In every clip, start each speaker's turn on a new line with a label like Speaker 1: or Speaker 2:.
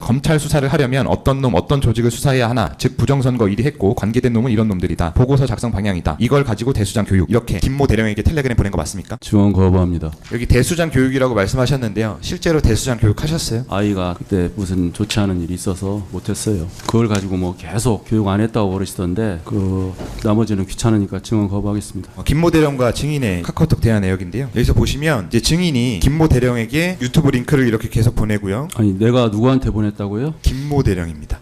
Speaker 1: 검찰 수사를 하려면 어떤 놈 어떤 조직을 수사해야 하나, 즉 부정선거 1위 했고 관계된 놈은 이런 놈들이다, 보고서 작성 방향이다, 이걸 가지고 대수장 교육, 이렇게 김모 대령에게 텔레그램 보낸 거 맞습니까?
Speaker 2: 지원 거부합니다.
Speaker 1: 여기 대수장 교육이라고 말씀하셨는데요, 실제로 대수장 교육 하셨어요?
Speaker 2: 아이가 그때 무슨 좋지 않은 일이 있어서 못했어요. 그걸 가지고 뭐 계속 교육 안 했다고 그러시던데 그 나머지는 귀찮으니까 증언 거부하겠습니다.
Speaker 1: 김모 대령과 증인의 카카오톡 대화 내역인데요, 여기서 보시면 이제 증인이 김모 대령에게 유튜브 링크를 이렇게 계속 보내고요.
Speaker 2: 아니 내가 누구한테 보냈다고요?
Speaker 1: 김모 대령입니다.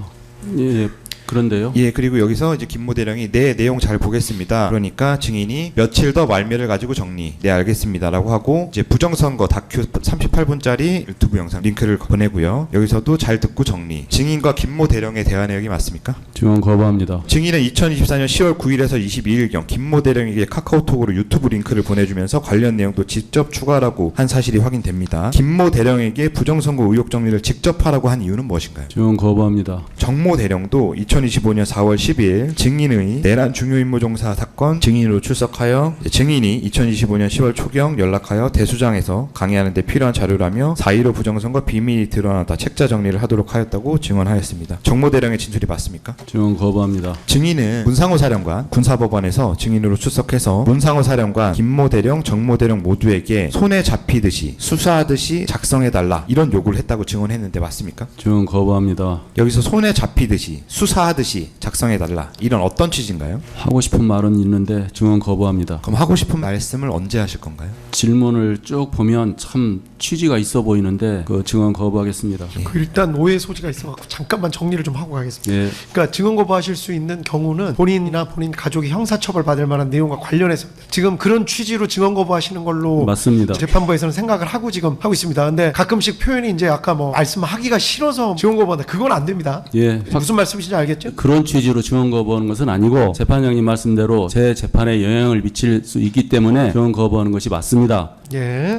Speaker 2: 예. 그런데요.
Speaker 1: 예, 그리고 여기서 이제 김모 대령이 네, 내용 잘 보겠습니다. 그러니까 증인이 며칠 더 말미를 가지고 정리. 네, 알겠습니다라고 하고 이제 부정선거 다큐 38분짜리 유튜브 영상 링크를 보내고요. 여기서도 잘 듣고 정리. 증인과 김모 대령의 대화 내용이 맞습니까?
Speaker 2: 증언 거부합니다.
Speaker 1: 증인은 2024년 10월 9일에서 22일경 김모 대령에게 카카오톡으로 유튜브 링크를 보내주면서 관련 내용도 직접 추가라고 한 사실이 확인됩니다. 김모 대령에게 부정선거 의혹 정리를 직접 하라고 한 이유는 무엇인가요?
Speaker 2: 증언 거부합니다.
Speaker 1: 정모 대령도 2025년 4월 10일 증인의 내란 중요임무종사 사건 증인으로 출석하여 증인이 2025년 10월 초경 연락하여 대수장에서 강의하는 데 필요한 자료라며 4.15 부정선거 비밀이 드러나다 책자 정리를 하도록 하였다고 증언하였습니다. 정모 대령의 진술이 맞습니까?
Speaker 2: 증언 거부합니다.
Speaker 1: 증인은 문상호 사령관 군사법원에서 증인으로 출석해서 문상호 사령관, 김모 대령, 정모 대령 모두에게 손에 잡히듯이 수사하듯이 작성해달라 이런 요구를 했다고 증언했는데 맞습니까?
Speaker 2: 증언 거부합니다.
Speaker 1: 여기서 손에 잡히듯이 수사하듯이 작성해달라, 이런 어떤 취지인가요?
Speaker 2: 하고 싶은 말은 있는데 증언 거부합니다.
Speaker 1: 그럼 하고 싶은 말씀을 언제 하실 건가요?
Speaker 2: 질문을 쭉 보면 참 취지가 있어 보이는데 그 증언 거부하겠습니다.
Speaker 3: 그 일단 오해 소지가 있어갖고 잠깐만 정리를 좀 하고 가겠습니다.
Speaker 2: 예.
Speaker 3: 그러니까 증언 거부하실 수 있는 경우는 본인이나 본인 가족이 형사처벌 받을 만한 내용과 관련해서 지금 그런 취지로 증언 거부하시는 걸로
Speaker 2: 맞습니다.
Speaker 3: 재판부에서는 생각을 하고 지금 하고 있습니다. 근데 가끔씩 표현이 이제 아까 뭐 말씀하기가 싫어서 증언 거부한다, 그건 안 됩니다.
Speaker 2: 예.
Speaker 3: 무슨 말씀이신지 알겠죠?
Speaker 2: 그런 취지로 증언 거부하는 것은 아니고 재판장님 말씀대로 제 재판에 영향을 미칠 수 있기 때문에 증언 거부하는 것이 맞습니다.
Speaker 3: 예.